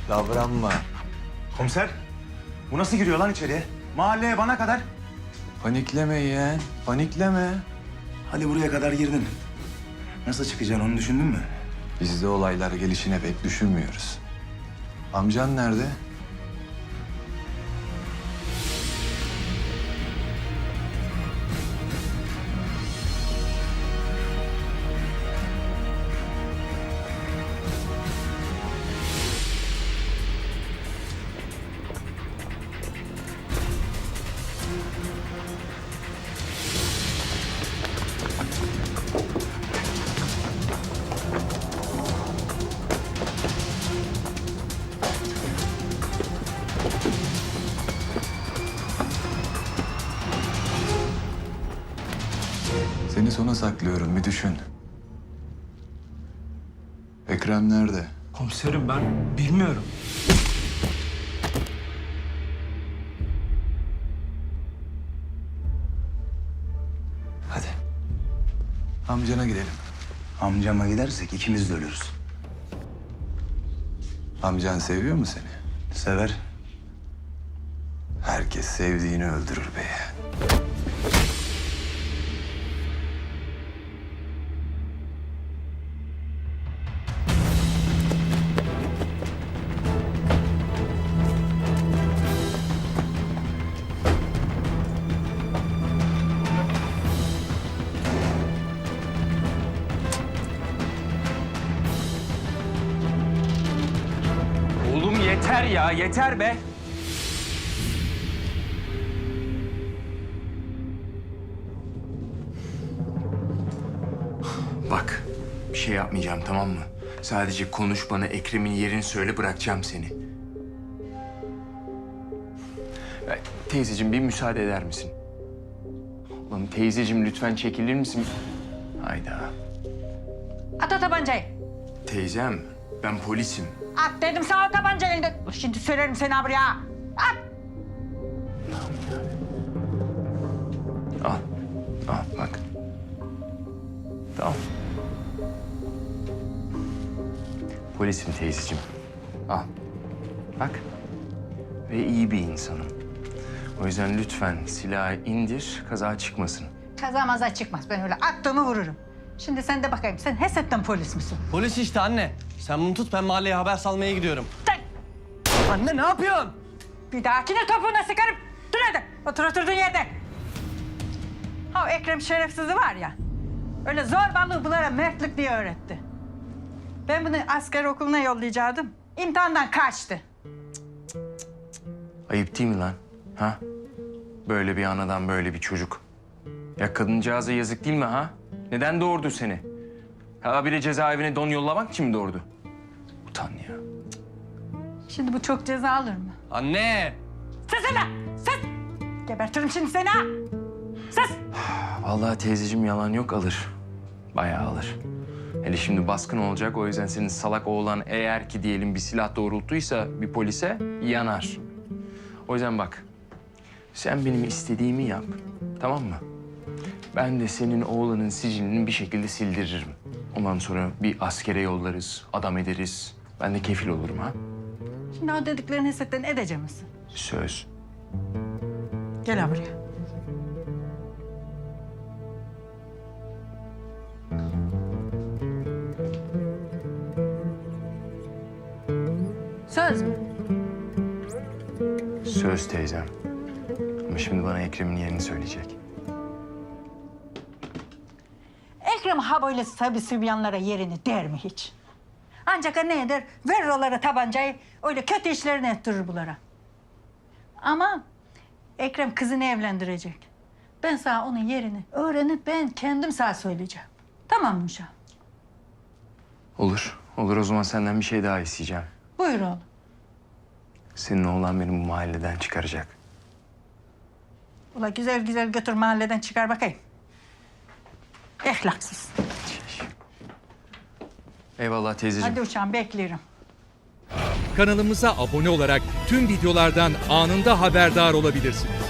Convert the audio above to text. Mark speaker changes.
Speaker 1: Davranma.
Speaker 2: Komiser, bu nasıl giriyor lan içeriye? Mahalleye bana kadar.
Speaker 1: Panikleme yeğen, panikleme.
Speaker 2: Hadi buraya kadar girdin. Nasıl çıkacaksın onu düşündün mü?
Speaker 1: Biz de olaylar gelişine pek düşünmüyoruz. Amcan nerede? Seni sona saklıyorum, bir düşün. Ekrem nerede?
Speaker 3: Komiserim ben bilmiyorum.
Speaker 1: Hadi. Amcana gidelim.
Speaker 2: Amcama gidersek ikimiz de ölürüz.
Speaker 1: Amcan seviyor mu seni?
Speaker 2: Sever.
Speaker 1: Herkes sevdiğini öldürür be yeğen.
Speaker 3: Oğlum yeter ya, yeter be.
Speaker 4: Bak, bir şey yapmayacağım, tamam mı? Sadece konuş, bana Ekrem'in yerini söyle, bırakacağım seni. Teyzeciğim, bir müsaade eder misin? Oğlum teyzeciğim, lütfen çekilir misin? Hayda.
Speaker 5: At o tabancayı.
Speaker 4: Teyzem, ben polisim.
Speaker 5: At dedim sana o tabancayı. Şimdi söylerim seni buraya. At.
Speaker 4: Al, al bak. Tamam. Polisim teyzeciğim. Al. Bak. Ve iyi bir insanım. O yüzden lütfen silahı indir, kaza çıkmasın.
Speaker 5: Kaza maza çıkmaz. Ben öyle attığımı vururum. Şimdi sen de bakayım. Sen hesaptan polis misin?
Speaker 3: Polis işte anne. Sen bunu tut, ben mahalleye haber salmaya gidiyorum.
Speaker 5: Sen
Speaker 3: Anne ne yapıyorsun?
Speaker 5: bir dahakine topuğuna sıkarım. Dur hadi. Otur oturduğun yerde. Ha o Ekrem şerefsizi var ya. Öyle zorbalığı bunlara mertlik diye öğretti. Ben bunu asker okuluna yollayacaktım. İmtihandan kaçtı.
Speaker 4: Ayıp değil mi lan? Ha? Böyle bir anadan böyle bir çocuk. Ya kadıncağıza yazık değil mi ha? Neden doğurdu seni? Ha bile cezaevine don yollamak için mi doğurdu? Utan ya.
Speaker 5: Şimdi bu çok ceza alır mı?
Speaker 3: Anne!
Speaker 5: Sus hele! Sus! Gebertirim şimdi seni ha! Sus!
Speaker 4: Vallahi teyzeciğim yalan yok, alır. Bayağı alır. Hele şimdi baskın olacak, o yüzden senin salak oğlan eğer ki diyelim bir silah doğrulttuysa bir polise yanar. O yüzden bak, sen benim istediğimi yap, tamam mı? Ben de senin oğlanın sicilini bir şekilde sildiririm. Ondan sonra bir askere yollarız, adam ederiz. Ben de kefil olurum ha.
Speaker 5: Şimdi o dediklerini hesaptan edecek misin?
Speaker 4: Söz.
Speaker 5: Gel ha buraya. Söz mü?
Speaker 4: Söz teyzem. Ama şimdi bana Ekrem'in yerini söyleyecek.
Speaker 5: Ekrem ha böyle tabi sübyanlara yerini der mi hiç? Ancak ne eder? Verir onlara tabancayı, öyle kötü işlerini ettirir bunlara. Ama Ekrem kızını evlendirecek. Ben sana onun yerini öğrenip ben kendim sana söyleyeceğim. Tamam mı Uşağım?
Speaker 4: Olur. Olur, o zaman senden bir şey daha isteyeceğim.
Speaker 5: Buyur oğlum.
Speaker 4: Senin oğlan beni bu mahalleden çıkaracak.
Speaker 5: Ula güzel güzel götür mahalleden çıkar bakayım. Ehlaksız.
Speaker 4: Eyvallah teyzeciğim.
Speaker 5: Hadi Uşağım bekliyorum.
Speaker 6: Kanalımıza abone olarak tüm videolardan anında haberdar olabilirsiniz.